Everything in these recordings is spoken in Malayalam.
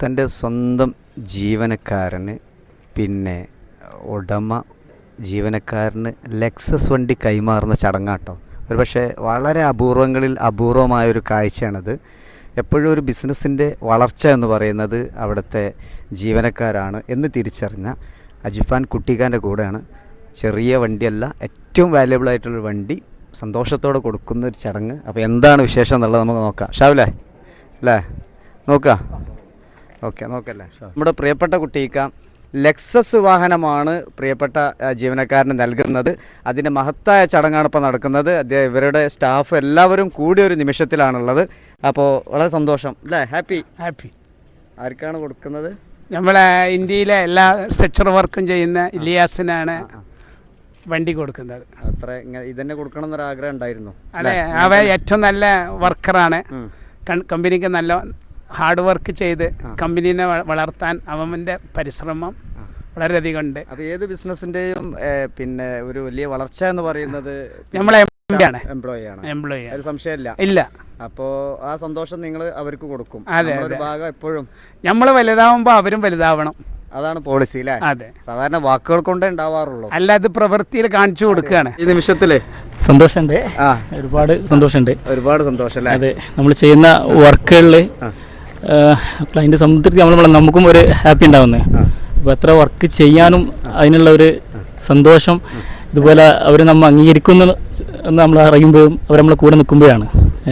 തൻ്റെ സ്വന്തം ജീവനക്കാരന് പിന്നെ ഉടമ ജീവനക്കാരന് ലെക്സസ് വണ്ടി കൈമാറുന്ന ചടങ്ങാട്ടോ. ഒരു പക്ഷേ വളരെ അപൂർവങ്ങളിൽ അപൂർവമായൊരു കാഴ്ചയാണത്. എപ്പോഴും ഒരു ബിസിനസ്സിൻ്റെ വളർച്ച എന്ന് പറയുന്നത് അവിടുത്തെ ജീവനക്കാരാണ് എന്ന് തിരിച്ചറിഞ്ഞ അജിഫാൻ കുട്ടിക്കാൻ്റെ കൂടെയാണ്. ചെറിയ വണ്ടിയല്ല, ഏറ്റവും വാല്യബിൾ ആയിട്ടുള്ളൊരു വണ്ടി സന്തോഷത്തോടെ കൊടുക്കുന്ന ഒരു ചടങ്ങ്. അപ്പോൾ എന്താണ് വിശേഷം എന്നുള്ളത് നമുക്ക് നോക്കാം. ഷാവില്ലേ അല്ലേ, നോക്കാം. ഓക്കെ, നോക്കല്ലേ. നമ്മുടെ പ്രിയപ്പെട്ട കുട്ടിക്ക ലെക്സസ് വാഹനമാണ് പ്രിയപ്പെട്ട ജീവനക്കാരന് നൽകുന്നത്. അതിൻ്റെ മഹത്തായ ചടങ്ങാണ് ഇപ്പോൾ നടക്കുന്നത്. ഇവരുടെ സ്റ്റാഫ് എല്ലാവരും കൂടിയ ഒരു നിമിഷത്തിലാണുള്ളത്. അപ്പോൾ വളരെ സന്തോഷം അല്ലേ, ഹാപ്പി. ആർക്കാണ് കൊടുക്കുന്നത്? നമ്മളെ ഇന്ത്യയിലെ എല്ലാ സ്ട്രക്ചർ വർക്കും ചെയ്യുന്ന ഇലിയാസിനാണ് വണ്ടി കൊടുക്കുന്നത്. അത്ര ഇതന്നെ കൊടുക്കണം എന്നൊരു ആഗ്രഹം ഉണ്ടായിരുന്നു അതെ. അവ ഏറ്റവും നല്ല വർക്കറാണ്. കമ്പനിക്ക് നല്ല ഹാർഡ് വർക്ക് ചെയ്ത് കമ്പനീനെ വളർത്താൻ അവൻ്റെ പരിശ്രമം വളരെയധികം ഉണ്ട്. അപ്പോൾ ഏത് ബിസിനസ്സിൻ്റെയും പിന്നെ ഒരു വലിയ വളർച്ച എന്ന് പറയുന്നത് നമ്മളെ എംപ്ലോയി ആണ്. ഒരു സംശയമില്ല. ഇല്ല. അപ്പോൾ ആ സന്തോഷം നിങ്ങൾ അവർക്ക് കൊടുക്കും. അതെ, ഒരു ഭാഗം എപ്പോഴും നമ്മൾ വലുതാവുമ്പോൾ അവരും വലുതാവണം. അതാണ് പോളിസി അല്ലേ? അതെ. സാധാരണ വാക്കുകൾ കൊണ്ടേ ഉണ്ടാവാറുള്ളൂ, അല്ല അത് പ്രവൃത്തിയിൽ കാണിച്ചു കൊടുക്കുകയാണ്. ഈ നിമിഷത്തില് സന്തോഷമുണ്ട്, ഒരുപാട് സന്തോഷമുണ്ട്. ഒരുപാട് സന്തോഷം അല്ലേ? അതെ, നമ്മൾ ചെയ്യുന്ന വർക്കുകളിൽ ക്ലൈൻറ്റ് സംതൃപ്തി നമുക്കും ഒരു ഹാപ്പി ഉണ്ടാവുന്നത്. അപ്പോൾ എത്ര വർക്ക് ചെയ്യാനും അതിനുള്ള ഒരു സന്തോഷം ഇതുപോലെ അവർ നമ്മൾ അംഗീകരിക്കുന്നു എന്ന് നമ്മൾ അറിയുമ്പോഴും അവർ നമ്മളെ കൂടെ നിൽക്കുമ്പോഴാണ്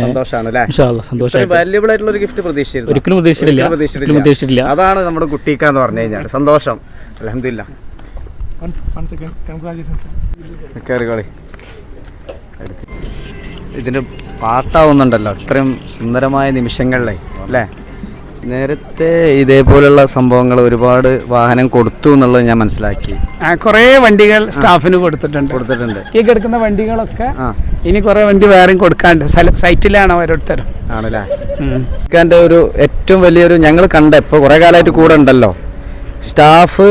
ഒരിക്കലും പ്രതീക്ഷിച്ചിട്ടില്ല. അതാണ് നമ്മുടെ കുട്ടിക്ക എന്ന് പറഞ്ഞു കഴിഞ്ഞാൽ സന്തോഷം. അൽഹംദുലില്ലാ. ഇതിന്റെ പാട്ടാവുന്നുണ്ടല്ലോ ഇത്രയും സുന്ദരമായ നിമിഷങ്ങളിലെ അല്ലേ? നേരത്തെ ഇതേപോലുള്ള സംഭവങ്ങൾ ഒരുപാട് വാഹനം കൊടുത്തു എന്നുള്ളത് ഞാൻ മനസ്സിലാക്കി. കുറേ വണ്ടികൾ സ്റ്റാഫിന് കൊടുത്തിട്ടുണ്ട്. ഈ കിടക്കുന്ന വണ്ടികളൊക്കെ ഇനി കുറേ വണ്ടി വേറെയും കൊടുക്കാണ്ട് സൈറ്റിലാണ് ഓരോരുത്തരും. ആണല്ലേ? എൻ്റെ ഒരു ഏറ്റവും വലിയൊരു ഞങ്ങൾ കണ്ട ഇപ്പോൾ കുറേ കാലമായിട്ട് കൂടെ ഉണ്ടല്ലോ സ്റ്റാഫ്.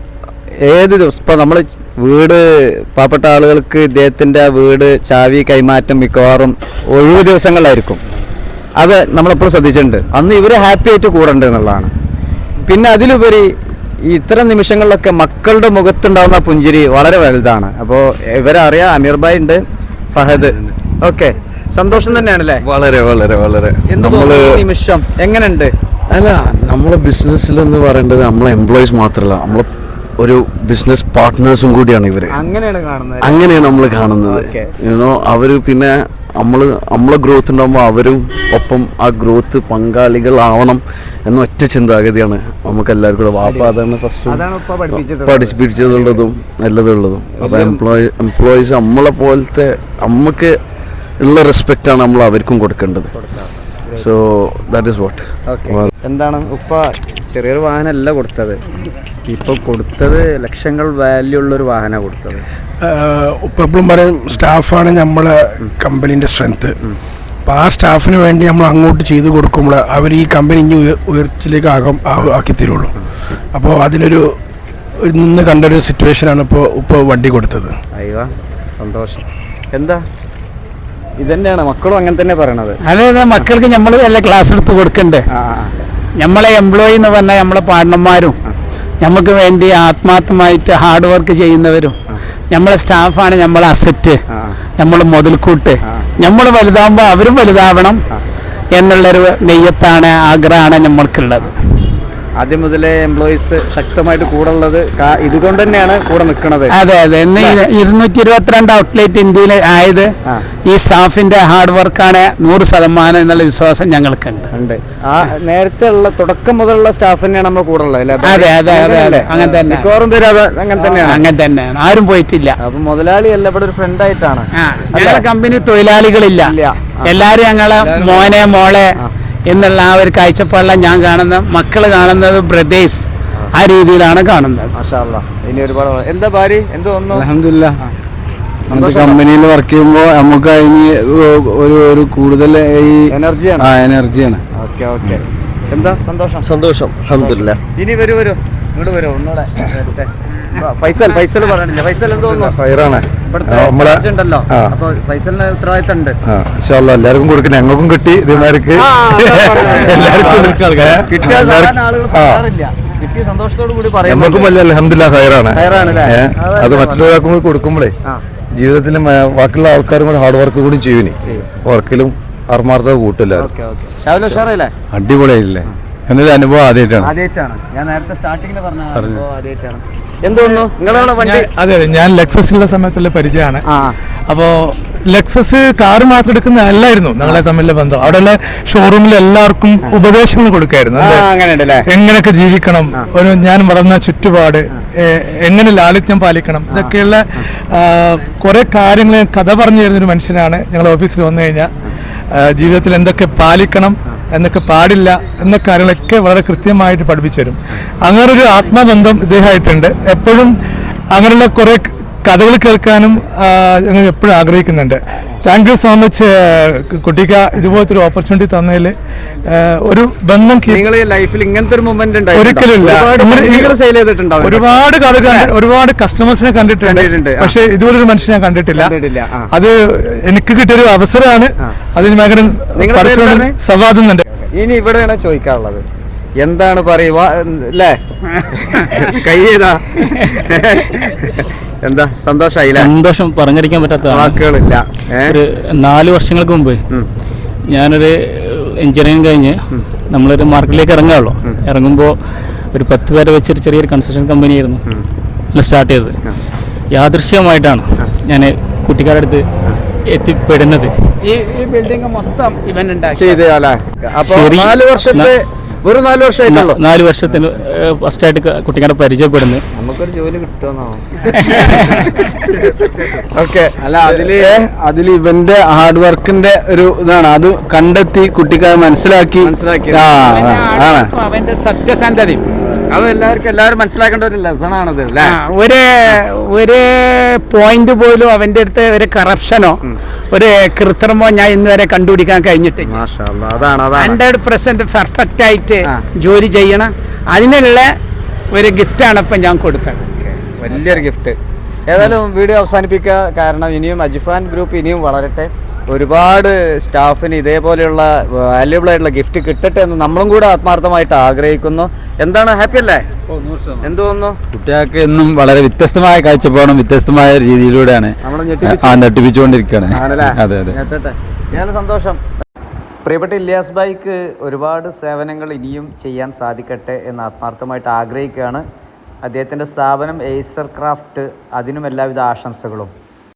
ഏത് ദിവസം ഇപ്പോൾ നമ്മൾ വീട് പാവപ്പെട്ട ആളുകൾക്ക് ഇദ്ദേഹത്തിൻ്റെ വീട് ചാവി കൈമാറ്റം മിക്കവാറും ഒഴിവ് ദിവസങ്ങളിലായിരിക്കും. അത് നമ്മളെപ്പോഴും ശ്രദ്ധിച്ചിട്ടുണ്ട്. അന്ന് ഇവർ ഹാപ്പി ആയിട്ട് കൂടെ ഉണ്ട് എന്നുള്ളതാണ്. പിന്നെ അതിലുപരി ഈ ഇത്തരം നിമിഷങ്ങളിലൊക്കെ മക്കളുടെ മുഖത്തുണ്ടാകുന്ന പുഞ്ചിരി വളരെ വലുതാണ്. അപ്പോൾ ഇവരറിയാം, അമീർ ഭായ് ഉണ്ട്, ഫഹദ്. ഓക്കെ, സന്തോഷം തന്നെയാണല്ലേ? വളരെ വളരെ വളരെ. നിമിഷം എങ്ങനെയുണ്ട്? അല്ല, നമ്മളെ ബിസിനസ്സിലെന്ന് പറയേണ്ടത് നമ്മളെ എംപ്ലോയീസ് മാത്രമല്ല, നമ്മളെ ഒരു ബിസിനസ് പാർട്ട്നേഴ്സും കൂടിയാണ് ഇവർ. അങ്ങനെയാണ് നമ്മൾ കാണുന്നത്. അവർ പിന്നെ നമ്മളെ ഗ്രോത്ത് ഉണ്ടാകുമ്പോൾ അവരും ഒപ്പം ആ ഗ്രോത്ത് പങ്കാളികളാവണം എന്ന ഒറ്റ ചിന്താഗതിയാണ് നമുക്ക് എല്ലാവർക്കും കൂടെ. വാപ്പ അതാണ് ഫസ്റ്റ് പഠിപ്പിച്ചതുള്ളതും നല്ലതുള്ളതും. അപ്പോൾ എംപ്ലോയീസ് നമ്മളെ പോലത്തെ നമുക്ക് ഉള്ള റെസ്പെക്റ്റാണ് നമ്മൾ അവർക്കും കൊടുക്കേണ്ടത്. So that is what. എന്താണ് ഉപ്പ ചെറിയൊരു വാഹനമല്ല കൊടുത്തത്, ഇപ്പോൾ കൊടുത്തത് ലക്ഷങ്ങൾ വാല്യൂ ഉള്ളൊരു വാഹനമാണ് കൊടുത്തത്. ഉപ്പ എപ്പോഴും പറയും സ്റ്റാഫാണ് നമ്മളെ കമ്പനീൻ്റെ സ്ട്രെങ്ത്ത്. അപ്പോൾ ആ സ്റ്റാഫിന് വേണ്ടി നമ്മൾ അങ്ങോട്ട് ചെയ്ത് കൊടുക്കുമ്പോൾ അവർ ഈ കമ്പനി ഇനി ഉയർച്ചയിലേക്ക് ആക്കി തരുള്ളൂ. അപ്പോൾ അതിനൊരു നിന്ന് കണ്ടൊരു സിറ്റുവേഷനാണ് ഇപ്പോൾ വണ്ടി കൊടുത്തത്. അയ്യോ സന്തോഷം. എന്താ ഇതന്നെയാണ് മക്കളും അങ്ങനെ തന്നെ പറയണത്. അതെ, മക്കൾക്ക് നമ്മൾ എല്ലാ ക്ലാസ് എടുത്ത് കൊടുക്കണ്ടേ. നമ്മളെ എംപ്ലോയി എന്ന് പറഞ്ഞാൽ നമ്മളെ പാർട്ണർമാരും നമുക്ക് വേണ്ടി ആത്മാർത്ഥമായിട്ട് ഹാർഡ് വർക്ക് ചെയ്യുന്നവരും നമ്മളെ സ്റ്റാഫാണ് നമ്മളെ അസറ്റ്, നമ്മളെ മുതൽക്കൂട്ട്. നമ്മൾ വലുതാകുമ്പോൾ അവരും വലുതാവണം എന്നുള്ളൊരു നെയ്യത്താണ്, ആഗ്രഹമാണ് നമ്മൾക്കുള്ളത്. ആദ്യം മുതലേ എംപ്ലോയീസ് ശക്തമായിട്ട് കൂടെ ഉള്ളത് ഇതുകൊണ്ട് തന്നെയാണ് കൂടെ നിൽക്കുന്നത്. അതെ അതെ. ഇന്ന് 222 ഔട്ട്ലെറ്റ് ഇന്ത്യയിൽ ആയത് ഈ സ്റ്റാഫിന്റെ ഹാർഡ് വർക്കാണ് 100% എന്നുള്ള വിശ്വാസം ഞങ്ങൾക്കുണ്ട്. ആ നേരത്തെ ഉള്ള തുടക്കം മുതലുള്ള സ്റ്റാഫ് തന്നെയാണ് നമ്മുടെ കൂടെ ഉള്ളത്. അതെ അതെ അതെ അതെ, അങ്ങനെ തന്നെ. മിക്കവാറും പേര് അങ്ങനെ തന്നെയാണ്, ആരും പോയിട്ടില്ല. അപ്പൊ മുതലാളി അല്ല, ഇവിടെ ഒരു ഫ്രണ്ട് ആയിട്ടാണ്. ഞങ്ങളെ കമ്പനി തൊഴിലാളികളില്ല, എല്ലാരും ഞങ്ങളെ മോനെ മോളെ എന്നുള്ള ആ ഒരു കാഴ്ചപ്പാടിലാണ് ഞാൻ കാണുന്നത്. മക്കൾ കാണുന്നത് ബ്രദേഴ്സ്, ആ രീതിയിലാണ് കാണുന്നത്. മാഷാ അല്ലാഹ്. ഇനി ഒരുപാട് എന്താ ഭാര്യ എന്തോ ഒന്നും അൽഹംദുലില്ലാ. നമ്മുടെ കമ്പനിയിൽ വർക്ക് ചെയ്യുമ്പോൾ നമുക്ക് അതിന് ഒരു കൂടുതൽ ഈ എനർജിയാണ്. Okay okay. എന്താ സന്തോഷം? അൽഹംദുലില്ലാ. ഇനി വരൂ ഇങ്ങോട്ട് വരൂ ഒന്നുകൂടെ. ഫൈസൽ പറഞ്ഞില്ല. ഫൈസൽ എന്ത് തോന്നുന്നു? ഫയറാണ് ഇവിടുത്തെ നമ്മളെ ചർച്ച ഉണ്ടല്ലോ, അപ്പൊ ഫൈസലിന് ഉത്തരവാദിത്തം ഉണ്ട്. എല്ലാവർക്കും കൊടുക്കും, ഞങ്ങൾക്കും കിട്ടി ഇതേമാർക്ക് കിട്ടിയ സാധാരണ ആളുകൾ പറയാറില്ല, കിട്ടിയ സന്തോഷത്തോടു കൂടി പറയും. നമുക്കും വലിയ അൽഹംദുലില്ലാ ഹയറാണ്. അത് മറ്റൊരാൾക്കും കൂടി കൊടുക്കുമ്പോഴേ ജീവിതത്തിൽ ബാക്കിയുള്ള ആൾക്കാരും കൂടെ ഹാർഡ് വർക്ക് കൂടി ചെയ്യുനി, വർക്കിലും ആത്മാർത്ഥത കൂട്ടില്ല. അടിപൊളിയായില്ലേ? എന്നൊരു അനുഭവം ആദ്യമായിട്ടാണ്. ഞാൻ നേരത്തെ സ്റ്റാർട്ടിങ്ങിൽ പറഞ്ഞ അനുഭവം ആദ്യമായിട്ടാണ്. എന്തോന്നു നിങ്ങളുടെ വണ്ടി? അതെ, ഞാൻ ലെക്സസിലുള്ള സമയത്തുള്ള പരിചയമാണ്. അപ്പോൾ ലെക്സസ് കാറ് മാത്രം എടുക്കുന്ന അല്ലായിരുന്നു ഞങ്ങളെ തമ്മിലുള്ള ബന്ധം. അവിടെയുള്ള ഷോറൂമിൽ എല്ലാവർക്കും ഉപദേശങ്ങൾ കൊടുക്കായിരുന്നു, എങ്ങനെയൊക്കെ ജീവിക്കണം, ഒരു ഞാൻ വളർന്ന ചുറ്റുപാട്, എങ്ങനെ ലാളിത്യം പാലിക്കണം, ഇതൊക്കെയുള്ള കുറെ കാര്യങ്ങൾ കഥ പറഞ്ഞു തരുന്നൊരു മനുഷ്യനാണ്. ഞങ്ങൾ ഓഫീസിൽ വന്നു കഴിഞ്ഞാൽ ജീവിതത്തിൽ എന്തൊക്കെ പാലിക്കണം, എന്നൊക്കെ പാടില്ല എന്ന കാര്യങ്ങളൊക്കെ വളരെ കൃത്യമായിട്ട് പഠിപ്പിച്ചു തരും. അങ്ങനൊരു ആത്മബന്ധം ഇദ്ദേഹമായിട്ടുണ്ട്. എപ്പോഴും അങ്ങനെയുള്ള കുറേ കഥകൾ കേൾക്കാനും ഞങ്ങൾ എപ്പോഴും ആഗ്രഹിക്കുന്നുണ്ട്. താങ്ക് യു സോ മച്ച് കുട്ടിക്ക, ഇതുപോലത്തെ ഒരു ഓപ്പർച്യൂണിറ്റി തന്നതിൽ. ഒരു ബന്ധം ലൈഫിൽ ഇങ്ങനത്തെ ഒരു മൊമെന്റ് ഒരിക്കലുമില്ല. ഒരുപാട് കഥ ഒരുപാട് കസ്റ്റമേഴ്സിനെ കണ്ടിട്ടുണ്ട്, പക്ഷെ ഇതുപോലൊരു മനുഷ്യനെ ഞാൻ കണ്ടിട്ടില്ല. അത് എനിക്ക് കിട്ടിയൊരു അവസരമാണ്. അതിന് ഭയങ്കര സവാദുന്നുണ്ട്. ഇനി ഇവിടെയാണ് ചോദിക്കാനുള്ളത്, എന്താണ് പറയുക അല്ലേ? കൈ ചെയ്താ എന്താ സന്തോഷായില്ല? സന്തോഷം പറഞ്ഞറിയിക്കാൻ പറ്റാത്ത വാക്കുകളില്ല. ഒരു 4 വർഷങ്ങൾക്ക് മുമ്പ് ഞാനൊരു എഞ്ചിനീയറിംഗ് കഴിഞ്ഞ് നമ്മളൊരു മാർക്കറ്റിലേക്ക് ഇറങ്ങാമല്ലോ. ഇറങ്ങുമ്പോൾ ഒരു 10 പേരെ വെച്ചൊരു ചെറിയൊരു കൺസ്ട്രക്ഷൻ കമ്പനിയായിരുന്നു സ്റ്റാർട്ട് ചെയ്തത്. യാദൃശ്യമായിട്ടാണ് ഞാൻ കുട്ടിക്കാരുടെ അടുത്ത് എത്തിപ്പെടുന്നത്. ഈ ബിൽഡിംഗ് മൊത്തം ഇവൻ ഉണ്ടാക്കി. 4 വർഷത്തെ വെറും 4 വർഷമായിട്ടുള്ളൂ. 4 വർഷത്തിന് ഫസ്റ്റായിട്ട് കുട്ടികളെ പരിചയപ്പെടുന്നത്. നമുക്കൊരു ജോലി കിട്ടുമെന്നോ? ഓക്കെ. അല്ല, അതില് ഇവന്റെ ഹാർഡ് വർക്കിന്റെ ഒരു ഇതാണ്. അത് കണ്ടെത്തി കുട്ടിക്കാരെ മനസ്സിലാക്കി അവന്റെ സത്യസന്ധതയും അത് എല്ലാവരും മനസ്സിലാക്കേണ്ട ഒരു ലെസണാണത്. ഒരു പോയിന്റ് പോലും അവന്റെ അടുത്ത് ഒരു കറപ്ഷനോ ഒരു കൃത്രിമോ ഞാൻ ഇന്ന് വരെ കണ്ടുപിടിക്കാൻ കഴിഞ്ഞിട്ടില്ല. 100% പെർഫെക്റ്റ് ആയിട്ട് ജോലി ചെയ്യണം. അതിനുള്ള ഒരു ഗിഫ്റ്റാണ് ഇപ്പം ഞാൻ കൊടുത്തത്. വലിയൊരു ഗിഫ്റ്റ്. ഏതായാലും വീഡിയോ അവസാനിപ്പിക്കുക, കാരണം ഇനിയും അജിഫാൻ ഗ്രൂപ്പ് ഇനിയും വളരട്ടെ. ഒരുപാട് സ്റ്റാഫിന് ഇതേപോലെയുള്ള വാല്യുബിൾ ആയിട്ടുള്ള ഗിഫ്റ്റ് കിട്ടട്ടെ എന്ന് നമ്മളും കൂടെ ആത്മാർത്ഥമായിട്ട് ആഗ്രഹിക്കുന്നു. എന്താണ്, ഹാപ്പി അല്ലേ? എന്ത് തോന്നുന്നു? കുട്ടികൾക്ക് എന്നും വളരെ വ്യത്യസ്തമായ കാഴ്ചപ്പാടും വ്യത്യസ്തമായ രീതിയിലൂടെയാണ് നട്ടിപ്പിച്ചുകൊണ്ടിരിക്കുകയാണ്. അതെ അതെ, ഞാൻ സന്തോഷം. പ്രിയപ്പെട്ട ഇല്യാസ് ഭായിക്ക് ഒരുപാട് സേവനങ്ങൾ ഇനിയും ചെയ്യാൻ സാധിക്കട്ടെ എന്ന് ആത്മാർത്ഥമായിട്ട് ആഗ്രഹിക്കുകയാണ്. അദ്ദേഹത്തിൻ്റെ സ്ഥാപനം എയ്സർ ക്രാഫ്റ്റ്, അതിനും എല്ലാവിധ ആശംസകളും.